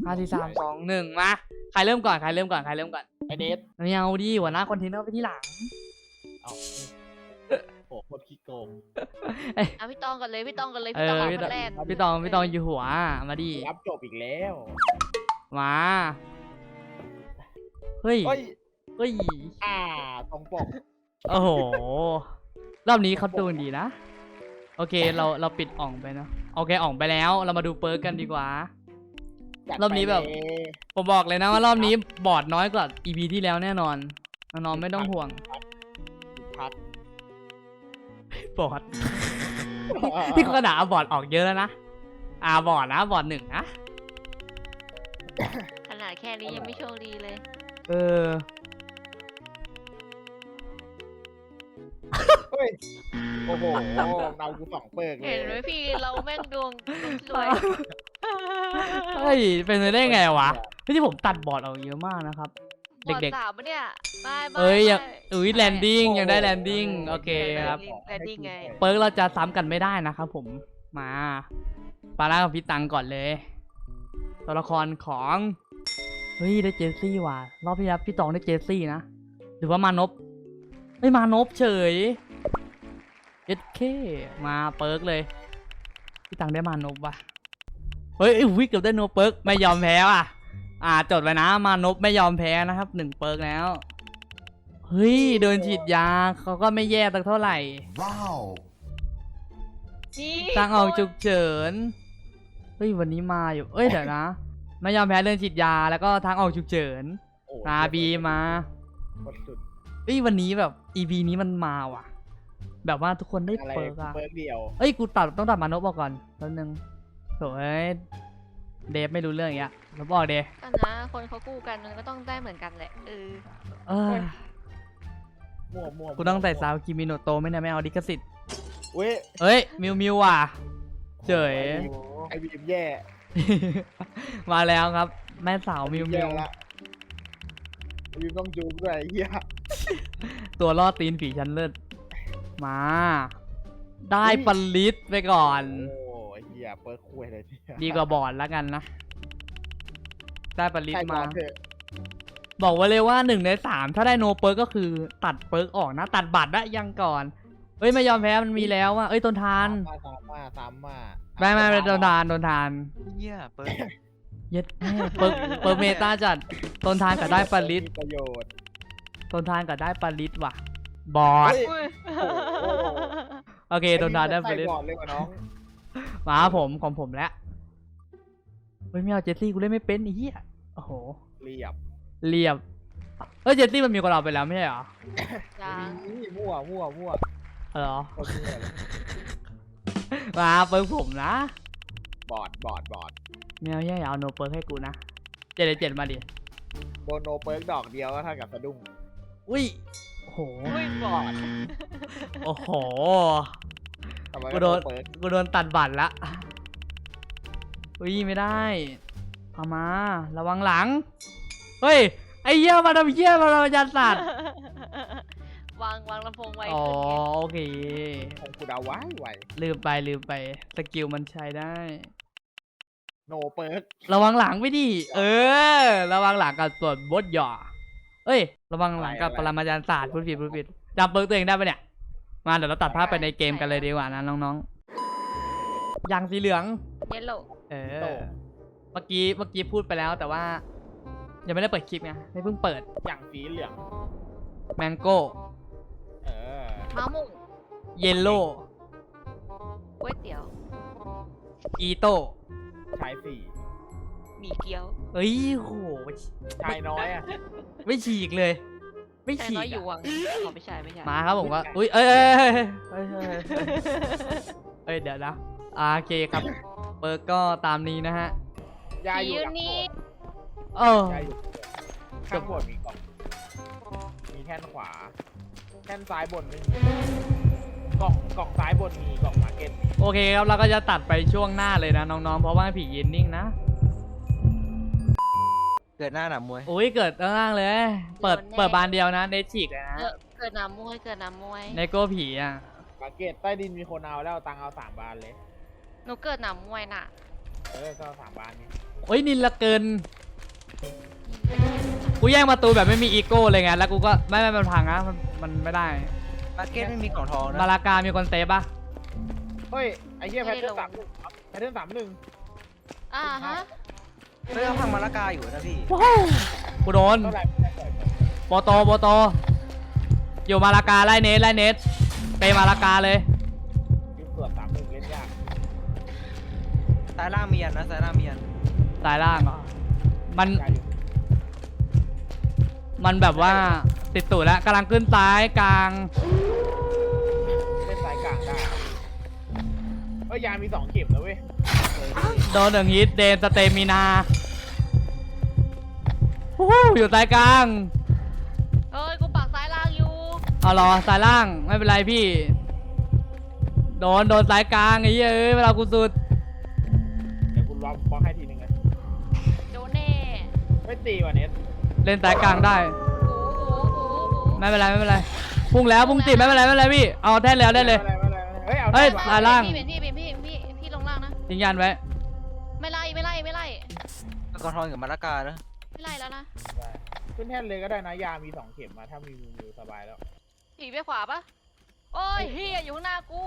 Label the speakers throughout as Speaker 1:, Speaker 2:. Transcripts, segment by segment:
Speaker 1: 5 4 3 2 1มาใครเริ่มก่อนไอเดฟไม่เอาดิหัวหน้าคอนเทนเนอร์ไปที่หลัง
Speaker 2: เอาโอ้โหขี้โกง
Speaker 3: เอาพี่ตองกันเลยพี่ตอง
Speaker 1: พี่ตองอยู่หัวมาดิ
Speaker 2: รับจบอีกแล้ว
Speaker 1: มาเฮ้ยต
Speaker 2: รงปก
Speaker 1: โอ้โหรอบนี้เขาดูดีนะโอเคเราปิดอ่องไปเนาะโอเคอ่องไปแล้วเรามาดูเปิร์กกันดีกว่ารอบนี้แบบผมบอกเลยนะว่ารอบนี้บอร์ดน้อยกว่า EP ที่แล้วแน่นอนน้องไม่ต้องห่วงบอร์ดที่กระดาษบอร์ดออกเยอะแล้วนะบอร์ดนะบอร์ด1นะ
Speaker 3: ขนาดแค่นี้ยังไม่โชคดีเลย
Speaker 2: โอ้โหเรากู2 เปิกเลย
Speaker 3: เห็นไหมพี่เราแม่งดวงสวย
Speaker 1: เฮ้ยเป็นไปได้ไงวะที่ผมตัดบอร์ดออกเยอะมากนะครับ
Speaker 3: เด็กๆ3ปะเนี่ย
Speaker 1: ยังแลนดิ้งยังได้แลนดิ้งโอเคครับ
Speaker 3: แลนดิ้งไง
Speaker 1: เปิร์กเราจะซ้ำกันไม่ได้นะครับผมมาปาร่ากับพี่ตังก่อนเลยตัวละครของเฮ้ยได้เจสซี่ว่ะรอบที่แล้วพี่ตองได้เจสซี่นะหรือว่ามานพไม่มานพเฉยเคมาเปิร์กเลยพี่ตังได้มานพว่ะเฮ้ยวิกเกือบได้โนเปิร์กไม่ยอมแพ้ว่ะจดไว้นะมานพไม่ยอมแพ้นะครับ1 เปิร์กแล้วเฮ้ยเดินฉีดยาเขาก็ไม่แย่ตั้งเท่าไหร่ว้าวทางออกฉุกเฉินเฮ้ยวันนี้มาอยู่เดี๋ยวนะไม่ยอมแพ้เดินฉีดยาแล้วก็ทางออกฉุกเฉินบีมาวันนี้แบบ EP นี้มันมาว่ะแบบว่าทุกคนได้เปิร์ก
Speaker 2: เดียว
Speaker 1: กูต้องตัดมานพออกก่อนแป๊บนึงโถ่เดฟไม่รู้เรื่องอย่างเงี้ยแล้วบอกเดฟ
Speaker 3: นะคนเขากู้กันมันก็ต้องได้เหมือนกันแหละ
Speaker 2: มั่ว
Speaker 1: กูต้องใส่ซาวคิมิโนโตะไม่เอาดิคสิทธิ์
Speaker 2: เฮ้ย
Speaker 1: มิวว่ะเฉย
Speaker 2: ไอบีมแย่
Speaker 1: มาแล้วครับแม่สาวมิว
Speaker 2: ละบีมต้องจูบด้วยเฮีย
Speaker 1: ตัวล่อตีนผีชั้นเลิศมาได้ปลิตไปก่อน
Speaker 2: โอ้ยเฮียเปิร์กคุยเลย
Speaker 1: ดีกว่าบอร์ดแล้วกันนะได้ปลิตมาบอกไว้เลยว่า1 ใน 3ถ้าได้โนเปิร์กก็คือตัดเปิร์กออกนะตัดบัตรได้ยังก่อนไม่ยอมแพ้มันมีแล้วว่าต้นทานไม่เป็นต้นทาน
Speaker 4: เหี้ยเปิร์ก
Speaker 1: เย็ดแม่เปิร์กเมตาจัดต้นทานกับได้ปลิต
Speaker 2: ประโยชน์
Speaker 1: ต้นทานกับได้ปลิตว่ะบอร์ดโอเคต้นทานได้ปลิตมาของผมแล้วไม่เอาเจสซี่กูเล่นไม่เป็นไอ้เหี้ยโอ้โห
Speaker 2: เรี
Speaker 1: ยบเจสซี่มันมีกับเราไปแล้วไม่ใช่เหรอ
Speaker 2: มั่ว
Speaker 1: เหรอมาเปิร์กผมนะ
Speaker 2: บอร์ด
Speaker 1: ไม่เอาเอาโนเปิร์กให้กูนะ7 มาดิ
Speaker 2: โดนโนเปิร์กดอกเดียวก็เท่ากับสะดุ้ง
Speaker 1: อุ้ยโอ้โห
Speaker 3: บอร์ด
Speaker 1: โอ้โหกูโดนตัดบัตรละไม่ได้เอามาระวังหลังเฮ้ยไอ้เหี้ยมาทำเหี้ยมายันสัตว์
Speaker 3: วางลำโพงไว้
Speaker 1: โอเค
Speaker 2: ของกูดาวไว้
Speaker 1: ลืมไปสกิลมันใช้ได้
Speaker 2: โนเปิร์ก
Speaker 1: ระวังหลังไม่ดิระวังหลังกับส่วนบดหย่อระวังหลังกับปรมาจารย์ศาสตร์พูดผิดจำเปิร์กตัวเองได้ปะเนี่ยมาเดี๋ยวเราตัดภาพไปในเกมกันเลยดีกว่านะน้องๆอย่างสีเหลือง
Speaker 3: เยลโล่
Speaker 1: เมื่อกี้พูดไปแล้วแต่ว่ายังไม่ได้เปิดคลิปไงไม่เพิ่งเปิด
Speaker 2: อย่างสีเหลือง
Speaker 1: แมงโก้
Speaker 3: มะม่วง
Speaker 1: เยลโล่
Speaker 3: ก๋วยเตี๋ยว
Speaker 1: อีโต้
Speaker 2: ชายสี่
Speaker 3: หมี่เกี๊ยว
Speaker 1: โห
Speaker 2: ชายน้อย
Speaker 1: ไม่ฉีกเลยไม่ฉีก
Speaker 3: อยู่วังไม่ใช่
Speaker 1: มาครับผมว่าเดี๋ยวนะโอเคครับเปิร์กก็ตามนี้นะฮะ
Speaker 2: ยายอยู่นี่ข้างบนมีกล่องมีแท่นขวาแท่นซ้ายบนไม่มีกล่องซ้ายบนมีกล่องมาร์เก็ต
Speaker 1: โอเคครับเราก็จะตัดไปช่วงหน้าเลยนะน้องๆเพราะว่าผีเย็นนิ่งนะ
Speaker 4: เกิดหน้าหนามวย
Speaker 1: เกิดล่างเลยเปิดบานเดียวนะเนฉีกเลยนะ
Speaker 3: เกิดหนามวย
Speaker 1: ในโก้ผี
Speaker 2: มาร์เก็ตใต้ดินมีคนเอาแล้วตังเอา3 บานเลย
Speaker 3: หนูเกิดหนามวยน่ะ
Speaker 2: ก็3 บานนี้
Speaker 1: โอ้ยนินละเกินกูแย่งประตูแบบไม่มีอีโก้เลยไงแล้วกูก็ไม่มันพังนะมันไม่ได้
Speaker 4: มาร์เก็ตไม่มีกล่องทองนะ
Speaker 1: มาลากามีคนเซฟปะ
Speaker 2: เฮ้ยไอ้เหี้ยแพทเทิร์น31แพทเทิร์น31
Speaker 3: อ่าฮะ
Speaker 4: เฮ้ยเขาพังมาละกาอยู่นะพี่
Speaker 1: กูโดน
Speaker 2: เท่าไหร่
Speaker 1: โปโตอยู่มาลากาไล่เนสไปมาลากาเลย
Speaker 2: ยิงตรวจ31เล่นยาก
Speaker 4: ซ้ายล่างมีอันนะซ้ายล่างมีอัน
Speaker 1: สายล่างเหรอมัน
Speaker 2: ยากอยู่
Speaker 1: มันแบบว่าติดตูดแล้วกำลังขึ้นซ้ายกลาง
Speaker 2: เล่นสายกลางได้เฮ้ยยามี2 เข็มนะเว้ย
Speaker 1: โดน1ฮิตเดนสเตมินาฮู้อยู่ซ้ายกลาง
Speaker 3: เอ้ยกูปักซ้ายล่างอยู่
Speaker 1: เอารอซ้ายล่างไม่เป็นไรพี่ โดนซ้ายกลางไอ้เหี้ยเวลากูสุด
Speaker 2: เดี๋ยวกูล็อกบล็อกให้ทีนึงเลย
Speaker 3: โดนแน่
Speaker 2: ไม่ตีว่ะเน็ต
Speaker 1: เล่นซ้ายกลางได้
Speaker 3: โอ้
Speaker 1: ไม่เป็นไรพุ่งแล้วพุ่งติดไม่เป็นไรพี่เอาแท่นแล้วได้เลย
Speaker 2: เฮ้ยเอา
Speaker 1: เฮ้ย
Speaker 2: ได้
Speaker 1: ซ้ายล่าง
Speaker 3: พี่ลงล่างนะ
Speaker 1: ยิงยันไว้
Speaker 3: ไม่ไล่
Speaker 4: กล่องทองกับมาละกานะ
Speaker 3: ไม่ไล่แล้วนะ
Speaker 2: ขึ้นแท่นเลยก็ได้นะยามี2 เข็มมาถ้ามีมือสบายแล้ว
Speaker 3: ผีไปขวาปะโอ้ยเฮียอยู่ข้างหน้ากู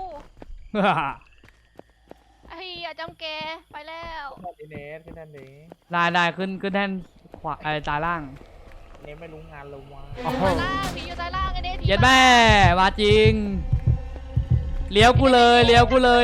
Speaker 3: เฮียจำแกไปแล้ว
Speaker 2: ขึ้นแท่นนี้เน็ตขึ้นแท่นนี้
Speaker 1: ได้ขึ้นแท่นขวาตาล่าง
Speaker 2: เน็ตไม่รู้งานลงมา
Speaker 1: โอ้โห
Speaker 3: ซ้ายล่างผีอยู่ซ้ายล่างไอ้เด้
Speaker 1: เย็ดแม่มาจริงเลี้ยวกูเลยเลี้ยวกูเลย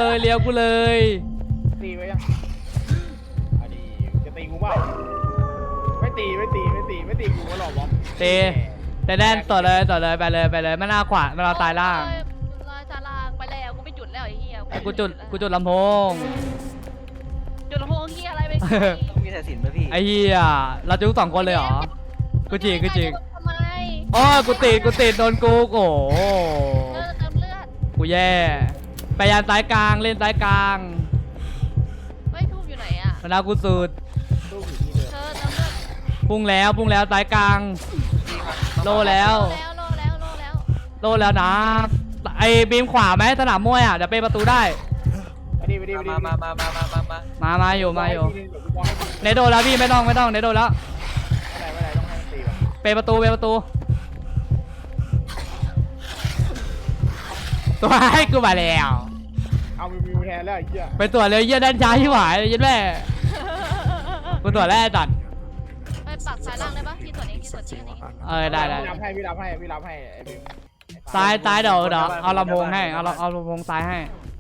Speaker 2: ตีไว้ยังอันนี้จะตีกูเปล่าไม่ตีกูก็หลอกบล็อก
Speaker 1: แต่แดนต่อเลยไปเลยไม่น่าขวาไม่เราตายล่าง
Speaker 3: ซ้ายล่างไปแล้วกูไม่จุดแล้วไอ้เฮีย
Speaker 1: กูจุดลำโพง
Speaker 3: จุดลำโพงเฮียอะไรไป
Speaker 4: ต้องมีสายสิญจน์ไหมพี่
Speaker 1: ไอ้เหี้ยเราจุก2 คนเลยเหรอกูจริง
Speaker 3: ทำไม
Speaker 1: อ๋อกูติดโดนกูโอ้โห
Speaker 3: เติมเลือด
Speaker 1: กูแย่ไปยันซ้ายกลางเล่นซ้ายกลาง
Speaker 3: เฮ้ยทูบอยู่ไหนอ่ะ
Speaker 1: มันเอากูสุด
Speaker 2: ตู้อยู่ที่เดิม
Speaker 3: เธอเติมเลือด
Speaker 1: พุ่งแล้วซ้ายกลาง โลแล้ว
Speaker 3: โลแล้ว
Speaker 1: นะไอ้บีมขวาไหมสนามมวยอ่ะเดี๋ยวไปประตูได้
Speaker 2: ไปดิ
Speaker 4: มา
Speaker 1: อยู่
Speaker 2: เดี๋ยวกูบล็อกให้ที
Speaker 1: เนโดนแล้วพี่ไม่ต้องเนโดนแล้ว
Speaker 2: ไม่ได้ต้องให้มันตีว่ะ
Speaker 1: ไปประตูตัวให้กูมาแล้ว
Speaker 2: เอามิวแทนแล้วไอ้เหี้ย
Speaker 1: ไปตรวจเลยเยี่ยด้านช้าที่หวายยัดแม่กูตรวจแล้วไอ้ตัด
Speaker 3: ไปปักซ้ายล่างได้ปะพี่ตัวนี้
Speaker 1: ได้
Speaker 2: พี่รับให้ไอ้บิว
Speaker 1: ซ้ายเดี๋ยวเอาลำโพงให้เอาลำโพงซ้ายให้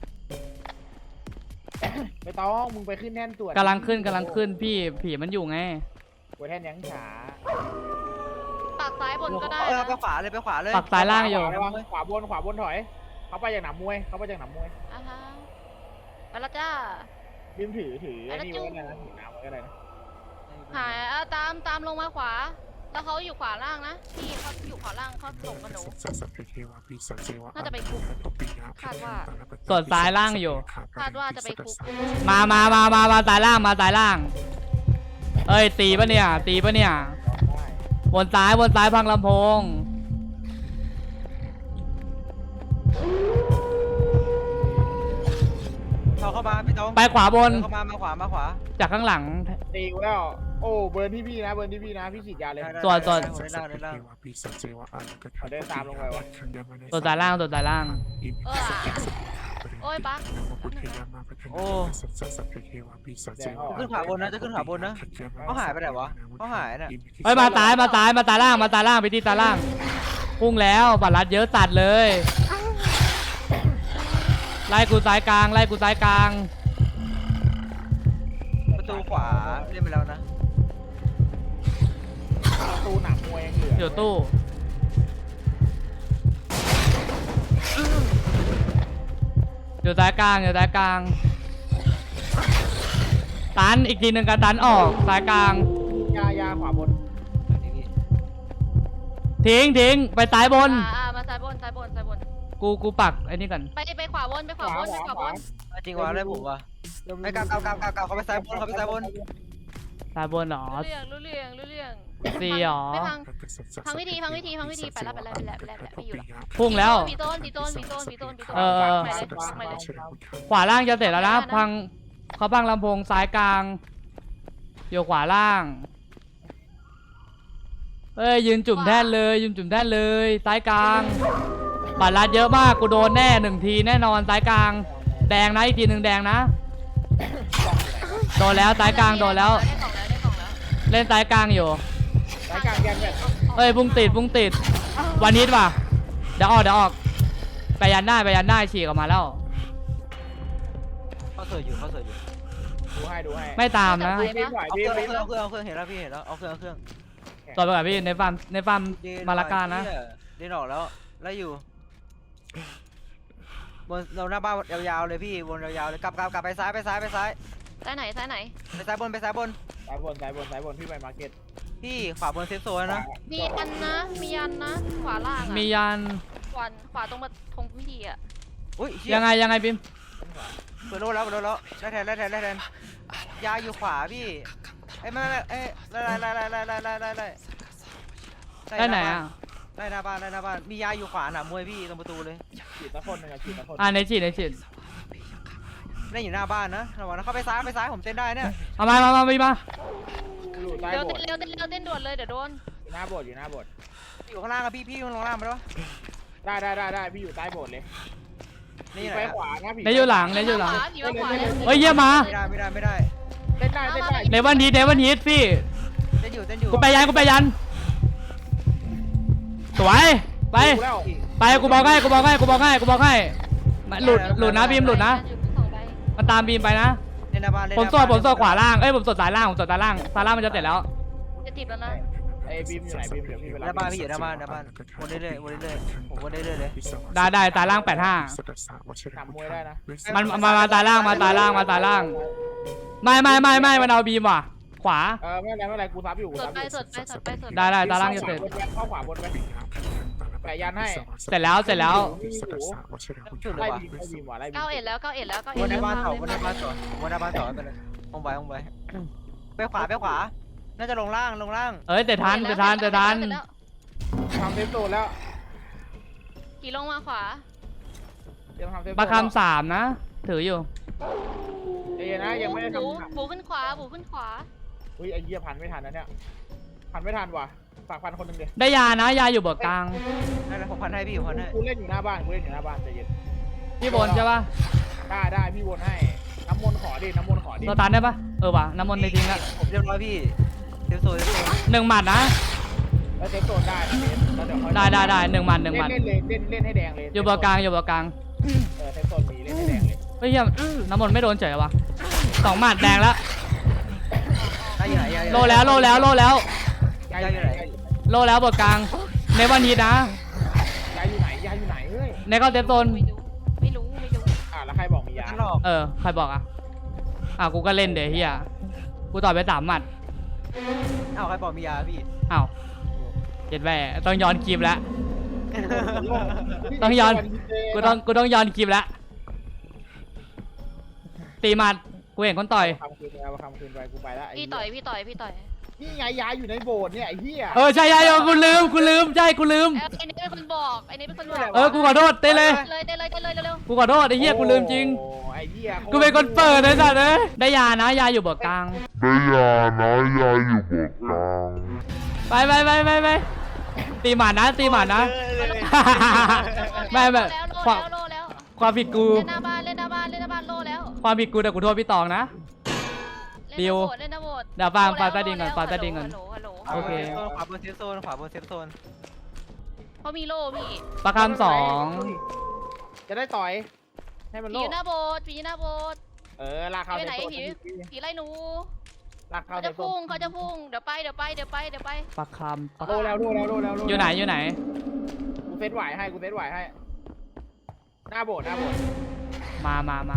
Speaker 2: ไม่ต้องมึงไปขึ้นแท่นตรวจ
Speaker 1: กำลังขึ้นพี่ผีมันอยู่ไง
Speaker 2: หัวแท่นยังช้า
Speaker 3: ปักซ้ายบนก็ได้
Speaker 4: ไปขวาเลยไปขวาเลย
Speaker 1: ปักซ้ายล่างอยู่
Speaker 2: ขวาบนถอยเขาไปจากหนามมวย
Speaker 3: อ่าฮะไปแล้วจ้า
Speaker 2: บิมถือไอ้นี่ไว้ก็ได้นะถือน้ำไว้ก็ได้นะ
Speaker 3: หายตามลงมาขวา แล้วเขาอยู่ขวาล่างนะพี่เขาอยู่ขวาล่างเขาส่งกับหนูน่าจะไปคุกคาดว่า
Speaker 1: ส่วนซ้ายล่างอยู่
Speaker 3: คาดว่าจะไปคุก
Speaker 1: มาซ้ายล่าง เอ้ยตีปะเนี่ย
Speaker 2: ได้
Speaker 1: บนซ้ายพังลำโพง
Speaker 4: เข้ามาพี่ต้อง
Speaker 1: ไปขวาบน
Speaker 4: เข้ามาขวา
Speaker 1: จากข้างหลัง
Speaker 2: ตีกูแล้วโอ้เบิร์นที่พี่นะพี่ฉีดยาเลย
Speaker 1: ส่วน
Speaker 4: เดินล่าง
Speaker 2: เดินตามลงไปวะ
Speaker 1: ตัวซ้ายล่าง
Speaker 3: โอ้ยปัก
Speaker 4: โอ้
Speaker 2: แดงออก
Speaker 4: ขึ้นขวาบนนะจะขึ้นขวาบนนะเขาหายไปไหนวะเขาหายน่ะ
Speaker 1: เฮ้ยมาตายล่างไปที่ตาล่างพุ่งแล้วบัตรลัดเยอะตัดเลย ไล่กูซ้ายกลาง
Speaker 4: ประตูขวาเล่นไปแล้วนะ
Speaker 2: ประตูหนามมวยยังเหลือ
Speaker 1: อยู่ตู้อยู่ซ้ายกลางตันอีกทีหนึ่งกันตันออกซ้ายกลาง
Speaker 2: ยาขวาบน
Speaker 1: ทิ้งไปซ้ายบน
Speaker 3: มาซ้ายบน
Speaker 1: กูปักไอ้นี่ก่อน
Speaker 3: ไปขวาบน
Speaker 4: จริงวะได้ผมวะไอ้กาวเขาไปซ้ายบน
Speaker 1: ซ้ายบนเหรอ
Speaker 3: รู้เรื่อง
Speaker 1: สี่หรอ
Speaker 3: ไม่พังวิธีไปแล้วไม่อยู่แล้ว
Speaker 1: พุ่งแล้ว
Speaker 3: มีต้น
Speaker 1: ขวาล่างจะเสร็จแล้วนะเขาพังลำโพงซ้ายกลางอยู่ขวาล่างเอ้ยยืนจุ่มแท่นเลยยืนจุ่มแท่นเลยซ้ายกลางปัดรัดเยอะมากกูโดนแน่1 ทีแน่นอนซ้ายกลางแดงนะอีกทีหนึ่งแดงนะโดนแล้วซ้ายกลางโดนแล้ว
Speaker 3: ได้กล่องแล้วได้กล่องแล้ว
Speaker 1: เล่นซ้ายกลางอยู่
Speaker 2: สายกลางแกนแบบ
Speaker 1: เอ้ยพุ่งติดวันนี้ว่ะเดี๋ยวออกไปยันได้ฉีกออกมาแล้ว
Speaker 4: เขาเสิร์ฟอยู่เขาเสิร์ฟอยู่
Speaker 2: ดูให้
Speaker 1: ไม่ตามนะ
Speaker 2: บีมไหว
Speaker 4: เอา
Speaker 2: บี
Speaker 4: เค
Speaker 2: ม
Speaker 4: รื่อง
Speaker 2: บีม
Speaker 4: เอาเครื่องเห็นแล้วพี่เห็นแล้วเอาเครื่อง
Speaker 1: ต่อไปกับพี่ในฟาร์มมาลาการนะ
Speaker 4: เดินออกแล้วแล้วอยู่บนเราหน้าบ้านยาวๆเลยพี่วนยาวๆเลยกลับไปซ้าย
Speaker 3: ซ้ายไหน
Speaker 4: ไปซ้ายบน
Speaker 2: สายบนพี่ไปมาร์เก็ต
Speaker 4: พี่ขวาบนเซฟโซนนะ
Speaker 3: มียันนะมียันนะขวาล่างอะ
Speaker 1: มียัน
Speaker 3: ขวาตรงมาทงพิธีอะ
Speaker 4: อุ้ย
Speaker 1: ยังไงบิม
Speaker 4: เปิดโลแล้วได้แทนยาอยู่ขวาพี่ไม่
Speaker 1: ได้ไหนอ่ะ
Speaker 4: ได้หน้าบ้านมียาอยู่ขวาหนามวยพี่ตรงประตูเลย
Speaker 2: ฉีดตะคนหนึ่งฉีดตะคน
Speaker 1: ในฉีด
Speaker 4: ได้อยู่หน้าบ้านนะระวังนะเข้าไปซ้ายผมเต้นได้เนี่ย
Speaker 1: เอามาบิมมา
Speaker 2: อยู่ใต้
Speaker 3: เร็ว
Speaker 2: โบสถ์
Speaker 3: เต้นด่วนเลยเดี๋ยวโดน
Speaker 2: อยู่หน้าโบสถ์
Speaker 4: อยู่ข้างล่างอะพี่ลงล่างมาแล้ว
Speaker 2: ได้พี่อยู่ใต้โบสถ์เลย
Speaker 4: นี่
Speaker 2: พี่
Speaker 4: ไหน
Speaker 2: ไปขวานะพี่
Speaker 1: ในอยู่หลัง
Speaker 3: ผีมาขวาเลย
Speaker 1: เฮ้ยเยี่ยมมา
Speaker 4: ไม่ได้
Speaker 2: เต้นได้
Speaker 1: เดวันฮีทพี่
Speaker 4: เต้นอยู่
Speaker 1: กูไปยันสวยไปกูบอกให้หลุดนะบีมหลุดนะมันตามบีมไปนะ
Speaker 4: เล่นหน้าบ้าน
Speaker 1: ผมสดขวาล่างผมสดซ้ายล่างซ้ายล่างมันจะเสร็จแล้ว
Speaker 3: จะจีบแล้วนะ
Speaker 2: ไอ้บีมอยู่ไหนบีมเดี๋ยวพี่ไป
Speaker 4: หน้าบ้านพี่อยู่หน้าบ้านวนเรื่อยผมวนเรื่อยเลย
Speaker 1: ได้ซ้ายล่าง85
Speaker 2: ทำมวยได้นะ
Speaker 1: มันมาซ้ายล่างไม่มันเอาบีมว่ะขวา
Speaker 2: ไม่เป็นไรกูซับอยู่
Speaker 3: สดไป
Speaker 1: ได้ซ้ายล่างจะเสร็จ
Speaker 2: เข้าขวาบนไปแปะยันให้
Speaker 1: เสร็จแล้ว
Speaker 4: จุดเล
Speaker 2: ไล่
Speaker 4: ยวะ
Speaker 2: บีมว่ะไล่บีม
Speaker 3: เก้าเอ็ดแล้ว
Speaker 4: วนหน้าบ้านต่อวนหน้าบ้านต่อไปเลยไปขวาน่าจะลงล่าง
Speaker 1: เอ้ยแต่ทัน
Speaker 2: ทำเซฟโซนแล้ว
Speaker 3: ขี่ลงมาขวา
Speaker 2: เตรียมทำเซฟโซน
Speaker 1: ประคำ3นะถืออยู่
Speaker 2: เอ้ยนะยังไม่ได้ทำ
Speaker 3: บูขึ้นขวา
Speaker 2: อุ้ยไอ้เหี้ยพันไม่ทันนะเนี่ยพันไม่ทันว่ะฝากพันคนหนึ่งเดียว
Speaker 1: ได้ยานะยาอยู่เบิกกลาง
Speaker 4: นั่นแหละผมพันให้พี่ผมพันให้
Speaker 2: กูเล่นอยู่หน้าบ้านใจเย็น
Speaker 1: พี่บนใช่ปะ
Speaker 2: ได้พี่วนให้น้ำมนต์ขอดิ
Speaker 1: เราตันได้ปะว่ะน้ำมนต์ในจริงละ
Speaker 4: ผมเรียบร้อยพี่เซฟโซน
Speaker 1: 1 หมัดนะ
Speaker 2: แล้วเซฟโซนได้นะแล้วเดี๋ยวค่อย
Speaker 1: ได้1 หมัด
Speaker 2: เล่นให้แดงเลย
Speaker 1: อยู่เบิกกลางเ
Speaker 2: เซฟโซนมีเล่นให้แดงเลย
Speaker 1: เฮ้ยน้ำมนต์ไม่โดนเฉยวะ2 หมัดแดงแล้ว
Speaker 4: ได้อยู่ไหน
Speaker 1: โลแล้ว
Speaker 2: ยายอยู่ไหน
Speaker 1: โลแล้วเบิกกลางในวันนี้นะ
Speaker 2: ยายอยู่ไหนเฮ้ย
Speaker 1: ในเข้าเซฟโซน
Speaker 3: ไม่รู้
Speaker 2: แล้วใครบอกมียา
Speaker 4: หลอก
Speaker 1: ใครบอกกูก็เล่นเดี๋ยวเฮียกูต่อยไป3 หมัด
Speaker 4: ใครบอกมียาพี่
Speaker 1: เจ็ดแหวต้องย้อนคลิปแล้ว ต้องย้อน กูต้องย้อนคลิปแล้วตีหมัดกูเห็นคนต่อย
Speaker 2: คำคืนไปกูไปแล้ว
Speaker 3: พี่ต่อย
Speaker 2: นี่ไงยาอยู่ในโบสถ์เนี่ยไอ้เหี้ย
Speaker 1: ใช่กูลืมใช่กูลืม
Speaker 3: ไอ้นี่เป็นคนบอก
Speaker 1: กูขอโทษเต้เลย
Speaker 3: เร็ว
Speaker 1: กูขอโทษไอ้เหี้ยกูลืมจริง
Speaker 2: ไอ้เหี้ย
Speaker 1: กูเป็นคนเปิดเลยสัตว์ได้ยานะยาอยู่เบิกกลาง
Speaker 5: ได้ยานะยาอยู่เบิกกลาง
Speaker 1: ไปตีหมัดนะไม่
Speaker 3: แล้ว
Speaker 1: ความผิดกู
Speaker 3: เล่นหน้าบ้านโลแล้ว
Speaker 1: ความผิดกูแต่กูโทษพี่ตองนะ
Speaker 3: เล่นหน้าโบสถ์
Speaker 1: เดี๋ยวฟังใต้ดินก่อนฟังใต้ดินก่อน
Speaker 3: ฮัลโหล
Speaker 1: โอเค
Speaker 4: ขวาบนเซฟโซน
Speaker 3: เขามีโล่พี่
Speaker 1: ประคำ2
Speaker 2: จะได้ต่อยให้มัน
Speaker 3: ผี
Speaker 2: โล
Speaker 3: อยู่หน้าโบสถ์
Speaker 2: ลากเข้า
Speaker 3: ไปไหน
Speaker 2: ในโซน
Speaker 3: ผีไล่หนู
Speaker 2: ลากเข้า
Speaker 3: เขา
Speaker 2: ใน
Speaker 3: จะ
Speaker 2: โซ
Speaker 3: พุ่ง
Speaker 2: น
Speaker 3: เดี๋ยวไป
Speaker 1: ประคำ
Speaker 2: โลแล้ว
Speaker 1: อยู่ไหน
Speaker 2: กูเซตไหวให้หน้าโบสถ์
Speaker 1: มา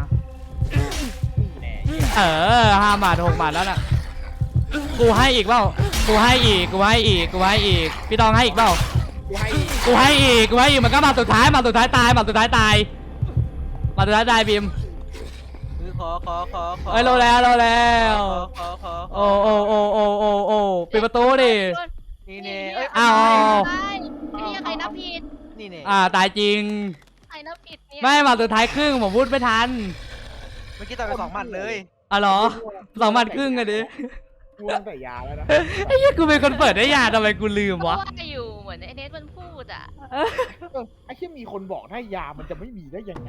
Speaker 2: แน่
Speaker 1: 5 หมัด 6 หมัดแล้วน่ะกูให้อีกเปล่ากูให้อีกพี่ตองให้อีกเปล่า
Speaker 2: กูให้
Speaker 1: กูให้อีกมันก็มาสุดท้ายตายบีม
Speaker 4: ขอ
Speaker 1: โลแล้ว
Speaker 4: ขอ
Speaker 1: โอ้ปิดประตูดิ
Speaker 4: นี่เน่
Speaker 1: อ้าว
Speaker 3: นี่ใครนับผิด
Speaker 4: นี่เน่
Speaker 1: ตายจริง
Speaker 3: ใครนับผิดเนี่ย
Speaker 1: ไม่มาสุดท้ายครึ่งผมพูดไม่ทัน
Speaker 4: เมื่อกี้ต่อยไป2 หมัดเลย
Speaker 1: เหรอ2 หมัดครึ่งอะดิ
Speaker 2: กูตั้งแต่ยาแล้วนะ
Speaker 1: ไอ้เหี้ยกูเป็นคนเปิดได้ยาทำไมกูลืม
Speaker 3: เพราะ
Speaker 1: วะ
Speaker 3: ว่าอยู่เหมือนไอเนสมันพูดอ่ะ
Speaker 2: ไอ้ที่มีคนบอกถ้ายามันจะไม่มีได้ยังไง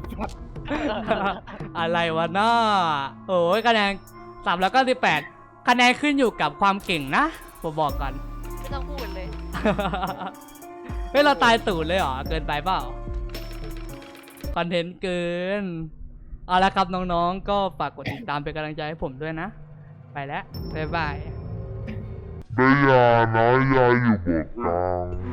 Speaker 1: อะไรวะน้าโอ้ยคะแนน398คะแนนขึ้นอยู่กับความเก่งนะผมบอกก่อน
Speaker 3: ไม่ต้องพูดเลย
Speaker 1: เฮ้ยเราตายตูดเลยเหรอเกินไปเปล่าคอนเทนต์เกินเอาละครับน้องๆก็ฝากกดติดตามเป็นกำลังใจให้ผมด้วยนะ ไปแล้วบ๊ายบาย
Speaker 5: ได้ยาน้อยยาอยู่บนกลาง